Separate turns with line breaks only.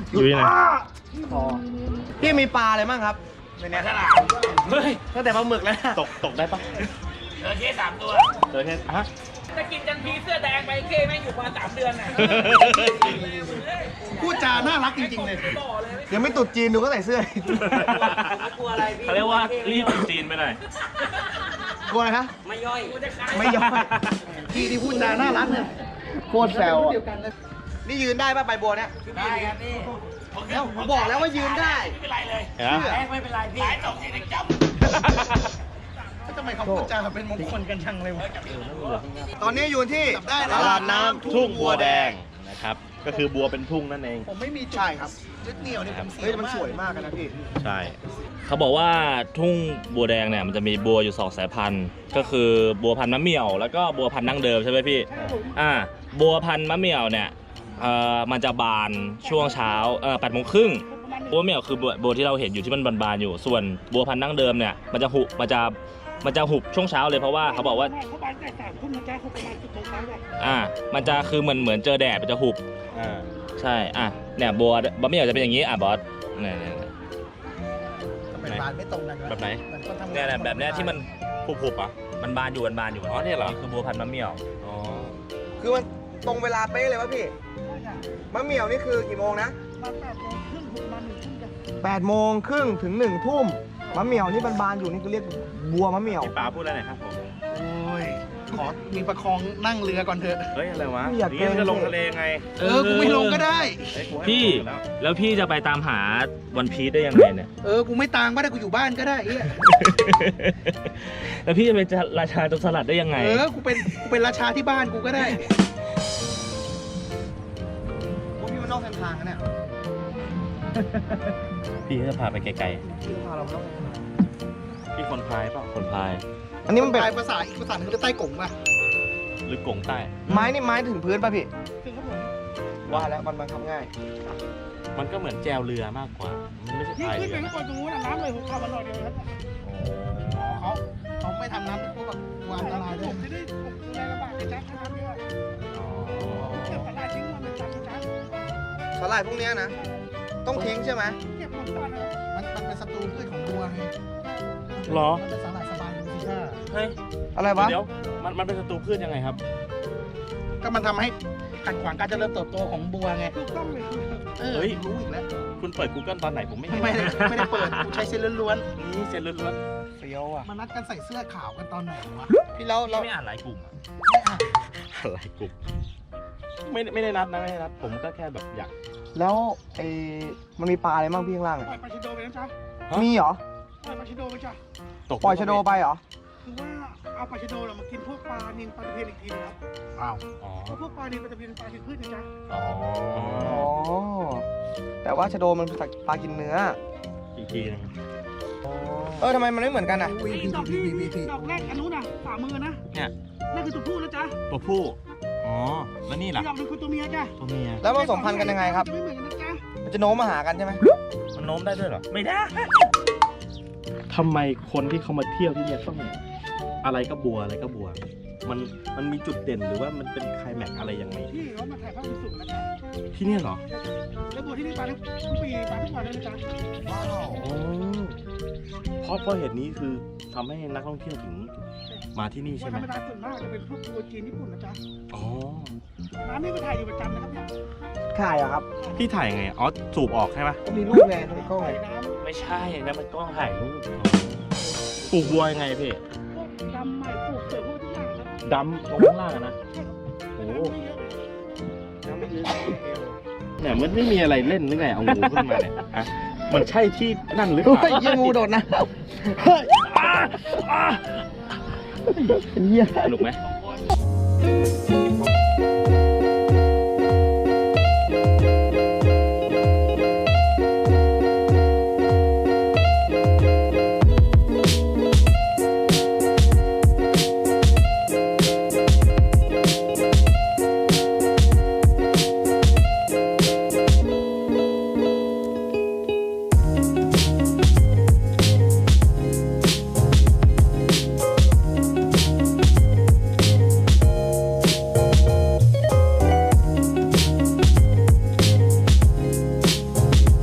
อยู่ที่ไหน
พี่มีปลาอะไรบ้างครับในนี้เฮ้ยตั้งแต่ปลาหมึกแล้ว
ตกได้ปะ
เจอเคส3 ตัว
เจอแค่ฮะ
จะกินจันทีเสื้อแดงไปเคแม่งอยู่มา3 เดือนน่ะ
พูดจาน่ารักจริงๆเลยเดี๋ยวไม่ตุดจีนดูก็ใส่เสื้อ
กลัวอะไรพี่
เขาเรียกว่ารีบจีนไปหน่อย
กลัวอะไรคะ
ไม่ย่อย
ไม่ยอมพี่ที่พูดจาน่ารักเนี่ยโคตรแซวอ่ะนี่ยืนได้ป่ะใบบัวเนี่ย
ได้ครับพี่
ผมบอกแล้วว่ายืนได้
ไม่เป็นไรเลย
เห็นไหม
แรกไม่เป็นไรพี่สายตกที่เด็กจับ
ทำไมเขาพูดจาเป็นมงคลกันจังเลยวะตอนนี้อยู่ที่ตลาดน้ำทุ่งบัวแดง
นะครับ ก็คือบัวเป็นทุ่งนั่นเอง
ผมไม่มีใช่ครับยึดเหนี่ยวนี่ผมเฮ้ยมันสวยมากนะพี่
ใช่ เขาบอกว่าทุ่งบัวแดงเนี่ยมันจะมีบัวอยู่2 สายพันธุ์ก็คือบัวพันธุ์มะเหมี่ยวแล้วก็บัวพันธุ์ดั้งเดิมใช่ไหมพี่บัวพันธุ์มะเหมี่ยวเนี่ยมันจะบานช่วงเช้า8 โมงครึ่งบัวเหมี่ยวคือบัวที่เราเห็นอยู่ที่มันบานๆอยู่ส่วนบัวพันธุ์ดั้งเดิมเนี่ยมันจะหุบช่วงเช้าเลยเพราะว่าเขาบอกว่า
เขาบานแต่3 ทุ่มนะจ๊ะเขาประมาณ10 โมงเช้าเลย
มันจะคือเหมือนเจอแดดมันจะหุบใช่เนี่ยบัวเหมี่ยวจะเป็นอย่างนี้บอสเนี่ย
ทำไมบานไม่ตรงกันวะ
แบบไหน
มันก็ทำ
เนี่ยแบบเนี้ยที่มันหุบมันบานอยู่อ๋อเนี่ยเหรอคือบัวพันธุ์มะเหมี่ยวอ๋อ
คือมันตรงเวลาเป๊ะเลยวะพี่มะเหมี่ยวนี่คือกี่โมงนะ
มา8 โมงครึ่งถึงมา1 ทุ่มจ้ะ
8 โมงครึ่งถึง1 ทุ่มมะเหมี่ยวนี่บานๆอยู่นี่คือเรียกบัวมะเหมี่ยว
พี่ป๋าพูดอะไรหน่อยครับผม
โอ้ยขอมีประคองนั่งเรือก่อนเถอะ
เฮ้ยอะไรวะ
ไม่อยากเกรง
จะลงทะเลไง
กูไม่ลงก็ได้
พี่แล้วพี่จะไปตามหาวันพีซได้ยังไงเนี่ย
กูไม่ตามก็ได้กูอยู่บ้านก็ได้เฮีย
แล้วพี่จะเป็นราชาโจรสลัดได้ยังไง
กูเป็นราชาที่บ้านกูก็ได้กูพี่มันนอกเส้นทางนะเนี่ย
พี่จะพาไปไกล
พี่พาเรานอกเส้นทาง
ๆพี่คนพายเปล่าคนพาย
อันนี้มันเป็นภาษาอีกภาษาหนึ่งคือใต้กงป่ะ
หรือกงใต้
ไม้นี่ไม้ถึงพื้นป่ะพี่
ถึงครับผม
ว่าแล้วมันทำง่าย
มันก็เหมือนแจวเรือมากกว่า มันไม่ใช่
ยิ่ง
พาย
ขึ้น
เรื
ไป
อ
ข้างบนตรงนู้นน้ำเลยผมเข้ามาหน่อยเดียวครับ
เขาไม่ทำน้ำพวกแบบวางละลายด้
ผ
วย
มจะได้ผมดูแลลำบากจะจ้าน้ำเยอะเก็บตลาดทิ้งมาเป็นจ้า
สลายพวกเนี้ยนะ ต้องทิ้งใช่ไหม
เก็บมันก่อนนะ
มันเป็นศัตรูพืชของบัวไง
หรอ
มันเป็นสาหร่ายสบายดูสิท่า
เฮ้ย
อะไรวะ
เดี๋ยวมันเป็นศัตรูพืชยังไงครับ
ก็มันทำให้ขัดขวางการเจริญเติบโตของบัวไง
ถูกต้องเลย
เฮ้ย
รู้อีกแล้ว
คุณเปิด Google ตอนไหนผมไม่เห็น
ไม่ได้เปิดกูใช้เส้นล้วน
นี่เซ็นล้วน
ๆเฟี้ยวอ่ะ
มานัดกันใส่เสื้อขาวกันตอนไหนวะ
พี่เรา
ๆไม่อ่านหลายกลุ่มอะ
ไม่อ่ะ
อ่านหลายกลุ่ม ไม่ได้นัดนะไม่ได้นัด ผมก็แค่แบบอยาก
แล้วมันมีปลาอะไรบ้างพี่ข้างล่าง
ปล่อยปลาชิโดไปนะจ๊ะ
มีเหรอ
ปล่อยปลาชิโดไปจ้ะ
ตก
ปล่อยชะโดไปเหรอ
คือว่าเอาปลาชิโดมากินพวกปลานิลปลาตะเพียนอีกทีนะครับ
อ้าว
อ๋อ
เพราะพวกปลานิลปลาตะเพียนเป็นปลากินพืชนะจ๊ะ
อ๋อ
อ๋อ แต่ว่าชะโดมันเป็นปลากินเนื้อ
อีกทีนึง
ทำไมมันไม่เหมือนกันอ่ะ
ไอ้ดอกที่ดอกแรกอันนู้นน่ะฝ่ามือนะ
เนี่ย
นั่นคือตัวผู้นะจ๊ะ
ตัวผู้ อ๋อ แล้วนี่ล่ะ
อีกดอกหนึงคือตัวเมียจ้ะ
ตัวเมีย
แล้วผสมพันธุ์กันยังไงครับ
จะไม่เหมือนกันนะจ๊ะ
มันจะโน้มมาหากันใช่ไหม
มันโน้มได้ด้วยเหรอ ไม่ได้ ทำไมคนที่เขามาเที่ยวที่เนี่ยต้องอะไรก็บัวอะไรก็บัว มันมีจุดเด่นหรือว่ามันเป็นไคลแม็กซ์อะไรยังไง
ที่เขามาถ่ายภาพสูงๆนะจ๊ะ
ที่เนี่ยเหรอ
แล้วบัวที่นี่ปลาทุกปีปลาทุกวันเลยนะจ๊ะ
ว้าว
อ๋อเพราะเหตุนี้คือทำให้นักท่องเที่ยวถึงมาที่นี่
บัว
ใช่ไห
ธ
ม
รรมดาส่วนมากจะเป็นพวกบัวจีนญี่ปุ่นนะจ๊ะ
อ๋อ
ร้านนี้ก็ถ่ายอยู่ประจำนะครับเนี่ย
ถ่ายอะครับ
พี่ถ่ายไง อ๋อ สูบออกใช่ไหม
ก็มีรูปไงในกล้องไง
ถ่ายน้ำ
ไม่ใช่นะมันกล้องถ่ายรูปปลูกบัวยังไงพี่
พวกดำใหม่ปลูกเสริมพวกทุกอย่างครับ
ดำลงข้างล่างอะนะ โอ้
น้ำไม่เยอะ
น้ำไม่ลึก
เนี่ยมันไม่มีอะไรเล่นหรือไงเอางูขึ้นมาเนี่ยฮะมันใช่ที่นั่นหรือเป
เฮ้
ล่าย
ยังงูโดดนะเฮ้ยเหี้ย
สนุกไหม